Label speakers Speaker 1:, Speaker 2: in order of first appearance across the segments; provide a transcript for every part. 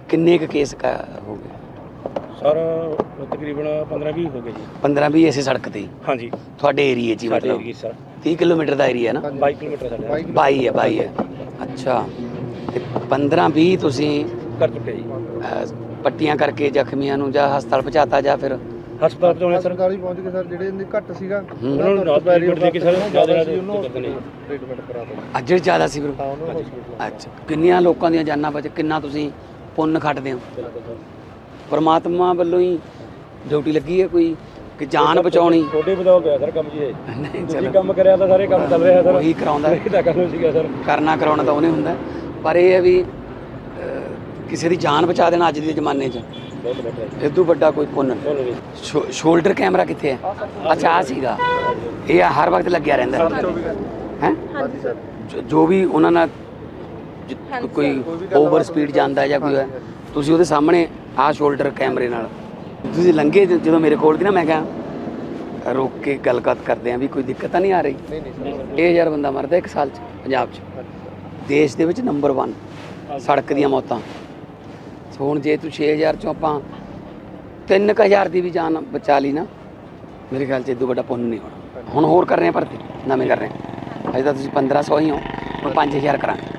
Speaker 1: ਕਿੰਨੇ ਕੁ ਕੇਸ ਹੋ ਗਏ?
Speaker 2: ਸਰ ਤਕਰੀਬਨ 15-20 ਹੋ ਗਏ ਜੀ।
Speaker 1: 15-20 ਇਸੇ ਸੜਕ ਤੇ ਹੀ
Speaker 2: ਹਾਂਜੀ
Speaker 1: ਤੁਹਾਡੇ ਏਰੀਏ 'ਚ ਹੀ?
Speaker 2: ਸਾਡੇ
Speaker 1: ਮਤਲਬ
Speaker 2: ਏਰੀਏ ਸਰ
Speaker 1: 30 ਕਿਲੋਮੀਟਰ ਦਾ ਏਰੀਆ ਨਾ?
Speaker 2: 22 ਕਿਲੋਮੀਟਰ ਸਾਡੇ
Speaker 1: 22 ਹੈ। ਅੱਛਾ, ਤੇ 15-20 ਤੁਸੀਂ
Speaker 2: ਕਰ ਚੁੱਕੇ ਜੀ।
Speaker 1: ਪੱਟੀਆਂ ਕਰਕੇ ਜ਼ਖਮੀਆਂ ਨੂੰ ਜਾਂ ਹਸਪਤਾਲ ਪਹੁੰਚਾਤਾ ਜਾਂ ਫਿਰ
Speaker 2: ਹਸਪਤਾਲ ਪਹੁੰਚਾਉਣੇ ਸਰ?
Speaker 3: ਸਰਕਾਰੀ ਪਹੁੰਚ ਗਏ ਸਰ, ਜਿਹੜੇ ਇਹਦੇ ਘੱਟ ਸੀਗਾ
Speaker 2: ਉਹਨਾਂ ਨੂੰ ਨਾਲ ਟ੍ਰੀਟਮੈਂਟ ਦੇ ਕੇ ਸਰ ਜ਼ਿਆਦਾ ਕਰਦੇ ਨੇ।
Speaker 3: ਟ੍ਰੀਟਮੈਂਟ ਕਰਾ ਦਿੱਤਾ।
Speaker 1: ਅੱਜ ਜ਼ਿਆਦਾ ਸੀ ਫਿਰ?
Speaker 3: ਹਾਂ ਉਹਨਾਂ ਨੂੰ ਹਸਪੀਟਲ।
Speaker 1: ਅੱਛਾ, ਕਿੰਨੀਆਂ ਲੋਕਾਂ ਦੀਆਂ ਜਾਨਾਂ ਬਚ, ਕਿੰਨਾ ਤੁਸੀਂ ਪੁੰਨ ਖੱਟਦੇ ਹੋ? ਪਰਮਾਤਮਾ ਵੱਲੋਂ ਹੀ ਡਿਊਟੀ ਲੱਗੀ ਹੈ ਕੋਈ ਕਿ ਜਾਨ ਬਚਾਉਣੀ?
Speaker 2: ਛੋਟੇ ਬਦਲਾਅ ਗਿਆ ਸਰ ਕੰਮ ਜੀ ਇਹ।
Speaker 1: ਨਹੀਂ
Speaker 2: ਤੁਸੀਂ
Speaker 1: ਚਲੋ,
Speaker 2: ਕੰਮ ਕਰਿਆ ਤਾਂ ਸਾਰੇ ਕੰਮ ਚੱਲ ਰਿਹਾ ਸਰ।
Speaker 1: ਉਹੀ ਕਰਾਉਂਦਾ,
Speaker 2: ਇਹ ਤਾਂ ਕੰਮ ਸੀਗਾ ਸਰ।
Speaker 1: ਕਰਨਾ ਕਰਾਉਣਾ ਤਾਂ ਉਹਨੇ ਹੁੰਦਾ, ਪਰ ਇਹ ਹੈ ਵੀ ਕਿਸੇ ਦੀ ਜਾਨ ਬਚਾ ਦੇਣਾ ਅੱਜ ਦੇ ਜ਼ਮਾਨੇ 'ਚ
Speaker 2: ਬਹੁਤ ਬੈਟਰ ਹੈ।
Speaker 1: ਇਦੋਂ ਵੱਡਾ ਕੋਈ ਪੁੰਨ ਨਹੀਂ।
Speaker 2: ਬੋਲੋ ਜੀ।
Speaker 1: ਸ਼ੋਲਡਰ ਕੈਮਰਾ ਕਿੱਥੇ ਹੈ? ਅੱਛਾ, ਆ ਸੀਗਾ। ਇਹ ਹਰ ਵਕਤ ਲੱਗਿਆ ਰਹਿੰਦਾ ਹੈ?
Speaker 3: ਹਾਂਜੀ ਸਰ।
Speaker 1: ਜੋ ਵੀ ਉਹਨਾਂ ਨਾਲ ਕੋਈ ਓਵਰ ਸਪੀਡ ਜਾਂਦਾ ਜਾਂ ਕੋਈ ਹੈ, ਤੁਸੀਂ ਉਹਦੇ ਸਾਹਮਣੇ ਆਹ ਸ਼ੋਲਡਰ ਕੈਮਰੇ ਨਾਲ ਤੁਸੀਂ ਲੰਘੇ ਜਦੋਂ ਮੇਰੇ ਕੋਲ ਦੀ ਨਾ, ਮੈਂ ਕਿਹਾ ਰੋਕ ਕੇ ਗੱਲਬਾਤ ਕਰਦੇ ਆਂ ਵੀ ਕੋਈ ਦਿੱਕਤ ਤਾਂ ਨਹੀਂ ਆ ਰਹੀ?
Speaker 3: ਨਹੀਂ ਨਹੀਂ ਸਰ।
Speaker 1: 1000 ਬੰਦਾ ਮਰਦਾ ਇੱਕ ਸਾਲ 'ਚ ਪੰਜਾਬ 'ਚ, ਦੇਸ਼ ਦੇ ਵਿੱਚ ਨੰਬਰ 1 ਸੜਕ ਦੀਆਂ ਮੌਤਾਂ। ਹੁਣ ਜੇ ਤੂੰ 6000 ਚੋਂ ਆਪਾਂ 3000 ਦੀ ਵੀ ਜਾਨ ਬਚਾ ਲਈ ਨਾ, ਮੇਰੇ ਖਿਆਲ 'ਚ ਇਦੋਂ ਵੱਡਾ ਪੁੰਨ ਨਹੀਂ ਹੋਣਾ। ਹੁਣ ਹੋਰ ਕਰ ਰਹੇ ਆ ਭਰਤੀ, ਨਵੇਂ ਕਰ ਰਹੇ ਆ। ਅਜੇ ਤਾਂ ਤੁਸੀਂ 1500 ਹੀ ਹੋ, ਹੁਣ 5000 ਕਰਾਂਗੇ।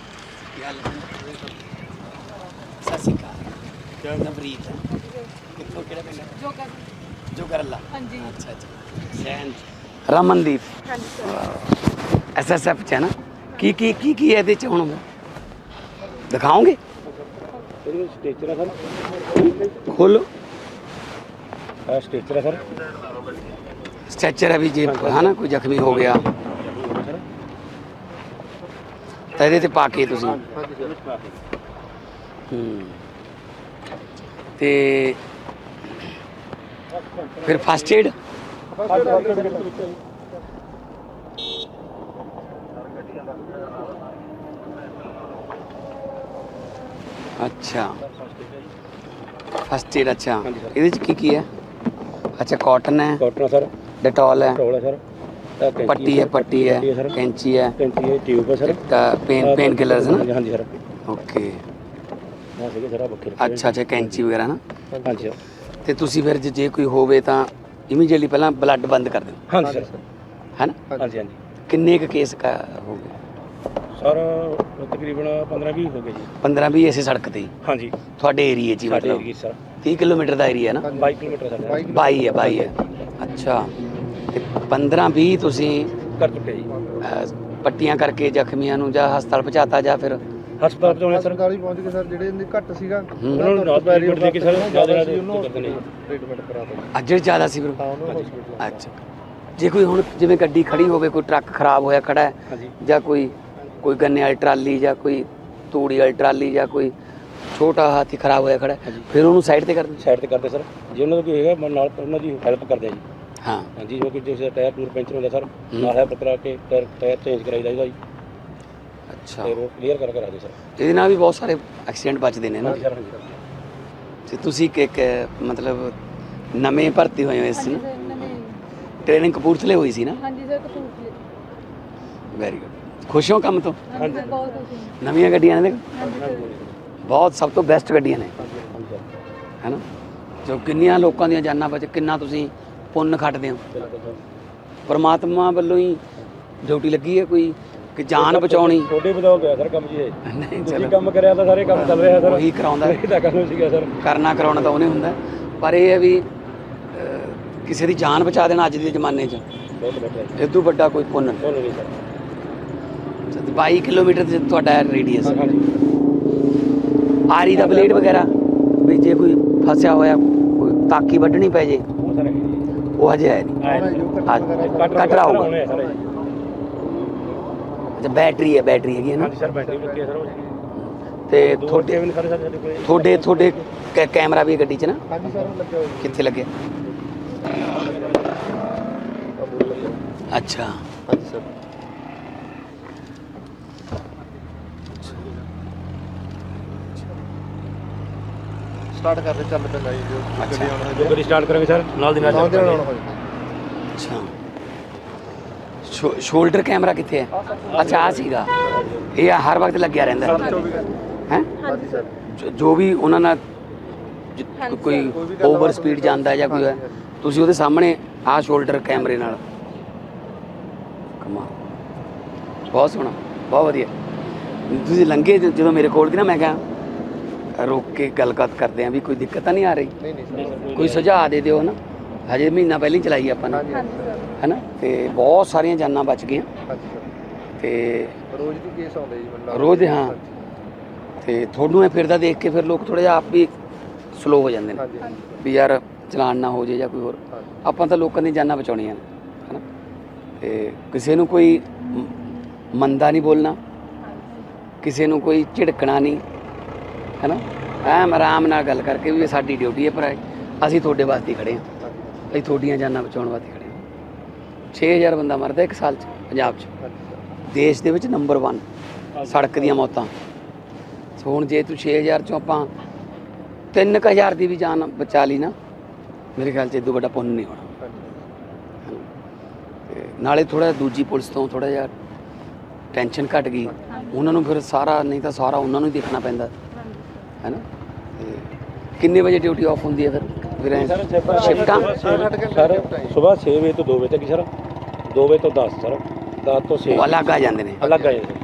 Speaker 1: ਸਤਿ ਸ਼੍ਰੀ ਅਕਾਲ। ਨਵਰੀਤ ਕਿੱਥੋਂ, ਕਿਹੜਾ ਪਿੰਡ? ਜੋਗਰਲਾ। ਹਾਂਜੀ। ਅੱਛਾ ਅੱਛਾ। ਸੈਨ ਰਮਨਦੀਪ। ਹਾਂਜੀ ਸਰ। SSF 'ਚ ਹੈ ਨਾ? ਕੀ ਹੈ ਇਹਦੇ 'ਚ ਹੁਣ ਦਿਖਾਓਗੇ?
Speaker 2: ਇਹਦੇ ਵਿੱਚ ਸਟੇਚਰ ਹੈ ਸਰ।
Speaker 1: ਖੋਲੋ।
Speaker 2: ਸਟੇਚਰ ਹੈ ਸਰ।
Speaker 1: ਸਟ੍ਰੈਚਰ ਹੈ ਵੀ ਜੇ ਹੈ ਨਾ ਕੋਈ ਜ਼ਖਮੀ ਹੋ ਗਿਆ ਤਾਂ ਇਹਦੇ ਤੇ ਪਾ ਕੇ ਤੁਸੀਂ ਤੇ ਫਿਰ ਫਸਟ ਏਡ ਅੱਛਾ, ਫਸਟ ਏਡ। ਅੱਛਾ, ਇਹਦੇ ਚ ਕੀ ਹੈ? ਅੱਛਾ, ਕਾਟਨ ਹੈ,
Speaker 2: ਕਾਟਨ ਸਰ,
Speaker 1: ਡੈਟੋਲ ਹੈ,
Speaker 2: ਟੋਲ ਹੈ ਸਰ,
Speaker 1: ਪੱਟੀ ਹੈ, ਕੈਂਚੀ ਹੈ,
Speaker 2: ਕੈਂਚੀ ਹੈ, ਟਿਊਬ ਹੈ ਸਰ,
Speaker 1: पेन किलर्स है ना?
Speaker 2: हाँ जी सर।
Speaker 1: ओके।
Speaker 2: अच्छा
Speaker 1: अच्छा, कैंची वगैरह ना?
Speaker 2: हाँ जी सर।
Speaker 1: ਤੇ ਤੁਸੀਂ ਫਿਰ ਜੇ ਕੋਈ ਹੋਵੇ ਤਾਂ ਇਮੀਡੀਏਟਲੀ ਪਹਿਲਾਂ ਬਲੱਡ ਬੰਦ ਕਰ ਦਿਓ,
Speaker 2: हाँ जी सर।
Speaker 1: ਹੈ ਨਾ?
Speaker 2: हाँ जी हाँ जी
Speaker 1: ਕਿੰਨੇ ਕੁ ਕੇਸ ਹੋ ਗਏ?
Speaker 2: सर तकरीबन 15-20 हो गए जी।
Speaker 1: 15-20 ਇਸੇ ਸੜਕ ਤੇ ਹੀ
Speaker 2: हाँ जी
Speaker 1: ਤੁਹਾਡੇ ਏਰੀਏ 'ਚ ਹੀ?
Speaker 2: साढ़े
Speaker 1: ਮਤਲਬ
Speaker 2: एरिए सर
Speaker 1: 30 ਕਿਲੋਮੀਟਰ ਦਾ ਏਰੀਆ ਨਾ?
Speaker 2: 22 किलोमीटर साढ़े
Speaker 1: 22 ਹੈ। ਅੱਛਾ, ਤੇ 15-20 ਤੁਸੀਂ
Speaker 2: कर चुके जी।
Speaker 1: ਪੱਟੀਆਂ ਕਰਕੇ ਜ਼ਖਮੀਆਂ ਨੂੰ ਜਾਂ ਹਸਪਤਾਲ ਪਹੁੰਚਾਤਾ ਜਾਂ ਫਿਰ
Speaker 2: ਹਸਪਤਾਲ ਪਹੁੰਚਾਉਣੇ ਸਰ?
Speaker 3: ਸਰਕਾਰੀ ਪਹੁੰਚ ਗਏ ਸਰ, ਜਿਹੜੇ ਇਹਦੇ ਘੱਟ ਸੀਗਾ
Speaker 2: ਉਹਨਾਂ ਨੂੰ ਨਾਲ ਟ੍ਰੀਟਮੈਂਟ ਦੇ ਕੇ ਸਰ ਜ਼ਿਆਦਾ ਕਰਦੇ ਨੇ।
Speaker 3: ਟ੍ਰੀਟਮੈਂਟ ਕਰਾ ਦਿੱਤਾ।
Speaker 1: ਅੱਜ ਜ਼ਿਆਦਾ ਸੀ ਫਿਰ?
Speaker 3: ਹਾਂ ਉਹਨਾਂ ਨੂੰ ਹਸਪੀਟਲ।
Speaker 1: ਅੱਛਾ, ਜੇ ਕੋਈ ਹੁਣ ਜਿਵੇਂ ਗੱਡੀ ਖੜੀ ਹੋਵੇ, ਕੋਈ ਟਰੱਕ ਖਰਾਬ ਹੋਇਆ ਖੜਾ ਹੈ
Speaker 2: हाँ जी
Speaker 1: ਜਾਂ ਕੋਈ ਗੰਨੇ ਵਾਲੀ ਟਰਾਲੀ ਜਾਂ ਕੋਈ ਤੂੜੀ ਵਾਲੀ ਟਰਾਲੀ ਜਾਂ ਕੋਈ ਛੋਟਾ ਹਾਥੀ ਖਰਾਬ ਹੋਇਆ ਖੜਾ ਹੈ, ਫਿਰ ਉਹਨੂੰ ਸਾਈਡ ਤੇ ਕਰਦੇ?
Speaker 2: ਸਾਈਡ ਤੇ ਕਰਦੇ ਸਰ। ਜੇ ਉਹਨਾਂ ਦਾ ਕੋਈ ਹੈਗਾ ਨਾਲ ਉਹਨਾਂ ਦੀ ਹੈਲਪ ਕਰਦੇ ਆ ਜੀ।
Speaker 1: ਹਾਂ
Speaker 2: हाँ जी, जो कि जैसे टायर टूर पंचर होता सर, ਨਾਲ ਹੈਲਪ ਕਰਾ ਕੇ ਟਾਇਰ ਚੇਂਜ ਕਰਾਈ ਜਾਈਦਾ ਜੀ।
Speaker 1: ਅੱਛਾ,
Speaker 2: ਤੇ ਰੋਡ ਕਲੀਅਰ ਕਰਕੇ ਰਾਜੀ ਸਰ।
Speaker 1: ਇਹਦੇ ਨਾਲ ਵੀ ਬਹੁਤ ਸਾਰੇ ਐਕਸੀਡੈਂਟ ਬਚਦੇ ਨੇ ਨਾ?
Speaker 2: ਹਾਂਜੀ ਸਰ। ਹਾਂਜੀ ਸਰ।
Speaker 1: ਤੇ ਤੁਸੀਂ ਇੱਕ ਮਤਲਬ ਨਵੇਂ ਭਰਤੀ ਹੋਏ ਹੋ ਇਸ ਨੂੰ? ਟ੍ਰੇਨਿੰਗ ਕਪੂਰਥਲੇ ਹੋਈ ਸੀ ਨਾ?
Speaker 4: ਹਾਂਜੀ ਸਰ, ਕਪੂਰਥਲੇ।
Speaker 1: Very good. ਖੁਸ਼ ਹੋ ਕੰਮ ਤੋਂ?
Speaker 4: ਹਾਂਜੀ ਬਹੁਤ ਖੁਸ਼
Speaker 1: ਨਵੀਆਂ ਗੱਡੀਆਂ ਨੇ,
Speaker 4: ਹਾਂ।
Speaker 1: ਬਹੁਤ ਸਭ ਤੋਂ ਬੈਸਟ ਗੱਡੀਆਂ ਨੇ,
Speaker 2: ਹਾਂਜੀ ਸਰ।
Speaker 1: ਹੈ ਨਾ? ਜੋ ਕਿੰਨੀਆਂ ਲੋਕਾਂ ਦੀਆਂ ਜਾਨਾਂ ਬਚ, ਕਿੰਨਾ ਤੁਸੀਂ ਪੁੰਨ ਖੱਟਦੇ ਹੋ?
Speaker 2: ਬਿਲਕੁਲ ਸਰ।
Speaker 1: ਪਰਮਾਤਮਾ ਵੱਲੋਂ ਹੀ ਡਿਊਟੀ ਲੱਗੀ ਹੈ ਕੋਈ ਕਿ ਜਾਨ ਬਚਾਉਣੀ?
Speaker 2: ਛੋਟੇ ਬਦਲਾਅ ਗਿਆ ਸਰ ਕੰਮ ਜੀ ਇਹ।
Speaker 1: ਨਹੀਂ
Speaker 2: ਤੁਸੀਂ
Speaker 1: ਚਲੋ,
Speaker 2: ਕੰਮ ਕਰਿਆ ਤਾਂ ਸਾਰੇ ਕੰਮ ਚੱਲ ਰਿਹਾ ਸਰ।
Speaker 1: ਉਹੀ ਕਰਾਉਂਦਾ,
Speaker 2: ਇਹ ਤਾਂ ਕੰਮ ਸੀਗਾ ਸਰ।
Speaker 1: ਕਰਨਾ ਕਰਾਉਣਾ ਤਾਂ ਉਹਨੇ ਹੁੰਦਾ, ਪਰ ਇਹ ਹੈ ਵੀ ਕਿਸੇ ਦੀ ਜਾਨ ਬਚਾ ਦੇਣਾ ਅੱਜ ਦੇ ਜ਼ਮਾਨੇ 'ਚ
Speaker 2: ਬਹੁਤ ਬੈਟਰ ਹੈ।
Speaker 1: ਇਦੋਂ ਵੱਡਾ ਕੋਈ ਪੁੰਨ ਨਹੀਂ।
Speaker 2: ਬੋਲੋ ਜੀ ਸਰ।
Speaker 1: 22 ਕਿਲੋਮੀਟਰ ਤੇ ਤੁਹਾਡਾ ਰੇਡੀਅਸ।
Speaker 2: ਹਾਂਜੀ
Speaker 1: ਆਰੀ ਦਾ ਬਲੇਡ ਵਗੈਰਾ ਵੀ ਜੇ ਕੋਈ ਫਸਿਆ ਹੋਇਆ, ਕੋਈ ਤਾਕੀ ਵੱਢਣੀ ਪੈ ਜੇ,
Speaker 2: ਉਹ ਸਰ ਹੈਗੇ ਜੀ।
Speaker 1: ਉਹ ਹਜੇ ਹੈ ਨਹੀਂ, ਕਟਰਾ ਹੋਊਗਾ।
Speaker 2: ਹੋਣੇ ਆ ਸਰ।
Speaker 1: ਅੱਛਾ, ਬੈਟਰੀ ਹੈਗੀ ਹੈ ਨਾ?
Speaker 2: ਹਾਂਜੀ ਸਰ, ਬੈਟਰੀ ਲੱਗੀ ਹੈ ਸਰ ਉਹ।
Speaker 1: ਤੇ
Speaker 2: ਤੁਹਾਡੇ ਵੀ ਸਾਰੇ ਸਾਡੇ ਕੋਲ
Speaker 1: ਤੁਹਾਡੇ ਕੈਮਰਾ ਵੀ ਗੱਡੀ 'ਚ ਨਾ?
Speaker 3: ਹਾਂਜੀ ਸਰ, ਲੱਗੇ ਹੋਏ ਜੀ।
Speaker 1: ਕਿੱਥੇ ਲੱਗਿਆ? ਅੱਛਾ,
Speaker 3: ਹਾਂਜੀ ਸਰ। ਸਟਾਰਟ ਕਰਦੇ ਚੱਲ ਪੈਂਦਾ ਜੀ। ਜੋ ਗੱਡੀ ਆਉਣਾ
Speaker 2: ਜੋ ਗੱਡੀ ਸਟਾਰਟ ਕਰਾਂਗੇ ਸਰ ਨਾਲ ਦੀ ਨਾਲ
Speaker 3: ਨਾਲ ਦੇ ਨਾਲ ਆਉਣਾ ਹੋਏ।
Speaker 1: ਅੱਛਾ, ਸ਼ੋਲਡਰ ਕੈਮਰਾ ਕਿੱਥੇ ਹੈ? ਅੱਛਾ, ਆ ਸੀਗਾ। ਇਹ ਹਰ ਵਕਤ ਲੱਗਿਆ ਰਹਿੰਦਾ ਹੈ?
Speaker 3: ਹਾਂਜੀ ਸਰ।
Speaker 1: ਜੋ ਵੀ ਉਹਨਾਂ ਨਾਲ ਕੋਈ ਓਵਰ ਸਪੀਡ ਜਾਂਦਾ ਜਾਂ ਕੋਈ ਹੈ, ਤੁਸੀਂ ਉਹਦੇ ਸਾਹਮਣੇ ਆਹ ਸ਼ੋਲਡਰ ਕੈਮਰੇ ਨਾਲ ਕਮਾਲ, ਬਹੁਤ ਸੋਹਣਾ, ਬਹੁਤ ਵਧੀਆ। ਤੁਸੀਂ ਲੰਘੇ ਜਦੋਂ ਮੇਰੇ ਕੋਲ ਦੀ ਨਾ, ਮੈਂ ਕਿਹਾ ਰੋਕ ਕੇ ਗੱਲਬਾਤ ਕਰਦੇ ਆਂ ਵੀ ਕੋਈ ਦਿੱਕਤ ਤਾਂ ਨਹੀਂ ਆ ਰਹੀ,
Speaker 3: ਨਹੀਂ ਨਹੀਂ ਸਰ।
Speaker 1: ਕੋਈ ਸੁਝਾਅ ਦੇ ਦਿਓ ਨਾ। ਹਜੇ ਮਹੀਨਾ ਪਹਿਲਾਂ ਹੀ ਚਲਾਈ ਆਪਾਂ ਨੇ,
Speaker 3: ਹਾਂਜੀ
Speaker 4: ਹਾਂਜੀ ਸਰ।
Speaker 1: ਹੈ ਨਾ, ਤੇ ਬਹੁਤ ਸਾਰੀਆਂ ਜਾਨਾਂ ਬਚ ਗਈਆਂ
Speaker 3: ਹਾਂਜੀ ਸਰ।
Speaker 1: ਤੇ
Speaker 3: ਰੋਜ਼ ਦੀ ਕੇਸ ਆਉਂਦੇ ਜੀ ਮੈਨੂੰ ਲੱਗਦਾ।
Speaker 1: ਰੋਜ਼ ਦੇ, ਹਾਂ। ਤੇ ਤੁਹਾਨੂੰ ਇਹ ਫਿਰਦਾ ਦੇਖ ਕੇ ਫਿਰ ਲੋਕ ਥੋੜ੍ਹਾ ਜਿਹਾ ਆਪ ਵੀ ਸਲੋ ਹੋ ਜਾਂਦੇ ਨੇ
Speaker 3: ਹਾਂਜੀ ਹਾਂਜੀ
Speaker 1: ਵੀ ਯਾਰ ਚਲਾਨ ਨਾ ਹੋ ਜੇ ਜਾਂ ਕੋਈ ਹੋਰ।
Speaker 3: ਹਾਂਜੀ।
Speaker 1: ਆਪਾਂ ਤਾਂ ਲੋਕਾਂ ਦੀਆਂ ਜਾਨਾਂ ਬਚਾਉਣੀਆਂ ਨੇ, ਹੈ ਨਾ। ਤੇ ਕਿਸੇ ਨੂੰ ਕੋਈ ਮੰਦਾ ਨਹੀਂ ਬੋਲਣਾ, ਕਿਸੇ ਨੂੰ ਕੋਈ ਝਿੜਕਣਾ ਨਹੀਂ, ਹੈ ਨਾ। ਐਮ ਆਰਾਮ ਨਾਲ ਗੱਲ ਕਰਕੇ ਵੀ ਇਹ ਸਾਡੀ ਡਿਊਟੀ ਹੈ, ਪਰ ਅਸੀਂ ਤੁਹਾਡੇ ਵਾਸਤੇ ਹੀ ਖੜ੍ਹੇ ਹਾਂ, ਅਸੀਂ ਤੁਹਾਡੀਆਂ ਜਾਨਾਂ ਬਚਾਉਣ ਵਾਸਤੇ ਖੜ੍ਹੇ ਹਾਂ। 6000 ਬੰਦਾ ਮਰਦਾ ਇੱਕ ਸਾਲ 'ਚ ਪੰਜਾਬ 'ਚ, ਦੇਸ਼ ਦੇ ਵਿੱਚ ਨੰਬਰ 1 ਸੜਕ ਦੀਆਂ ਮੌਤਾਂ। ਸੋ ਹੁਣ ਜੇ ਤੂੰ 6000 'ਚੋਂ ਆਪਾਂ 3000 ਦੀ ਵੀ ਜਾਨ ਬਚਾ ਲਈ ਨਾ, ਮੇਰੇ ਖਿਆਲ 'ਚ ਇਦੋਂ ਵੱਡਾ ਪੁੰਨ ਨਹੀਂ ਹੋਣਾ। ਤੇ ਨਾਲੇ ਥੋੜ੍ਹਾ ਦੂਜੀ ਪੁਲਿਸ ਤੋਂ ਥੋੜ੍ਹਾ ਜਿਹਾ ਟੈਨਸ਼ਨ ਘਟ ਗਈ, ਉਹਨਾਂ ਨੂੰ ਫਿਰ ਸਾਰਾ, ਨਹੀਂ ਤਾਂ ਸਾਰਾ ਉਹਨਾਂ ਨੂੰ ਹੀ ਦੇਖਣਾ ਪੈਂਦਾ, ਹੈ ਨਾ। ਤੇ ਕਿੰਨੇ ਵਜੇ ਡਿਊਟੀ ਆਫ ਹੁੰਦੀ ਹੈ ਫਿਰ ਸ਼ਿਫਟਾਂ?
Speaker 2: ਸਰ ਸਵੇਰ 6 ਵਜੇ ਤੋਂ 2 ਵਜੇ ਤੱਕ ਸਰ, 2 ਵਜੇ ਤੋਂ 10 ਸਰ, 10 ਤੋਂ 6
Speaker 1: ਉਹ ਅਲੱਗ ਆ ਜਾਂਦੇ ਨੇ,
Speaker 2: ਅਲੱਗ ਆ ਜਾਂਦੇ।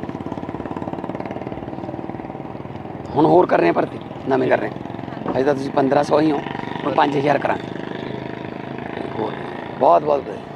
Speaker 1: ਹੁਣ ਹੋਰ ਕਰ ਰਹੇ ਆ ਭਰਤੀ, ਨਵੇਂ ਕਰ ਰਹੇ ਆ। ਅਜੇ ਤਾਂ ਤੁਸੀਂ 1500 ਹੀ ਹੋ, ਹੁਣ 5000 ਕਰਾਂਗੇ ਹੋਰ। ਬਹੁਤ ਬਹੁਤ ਵਧੀਆ।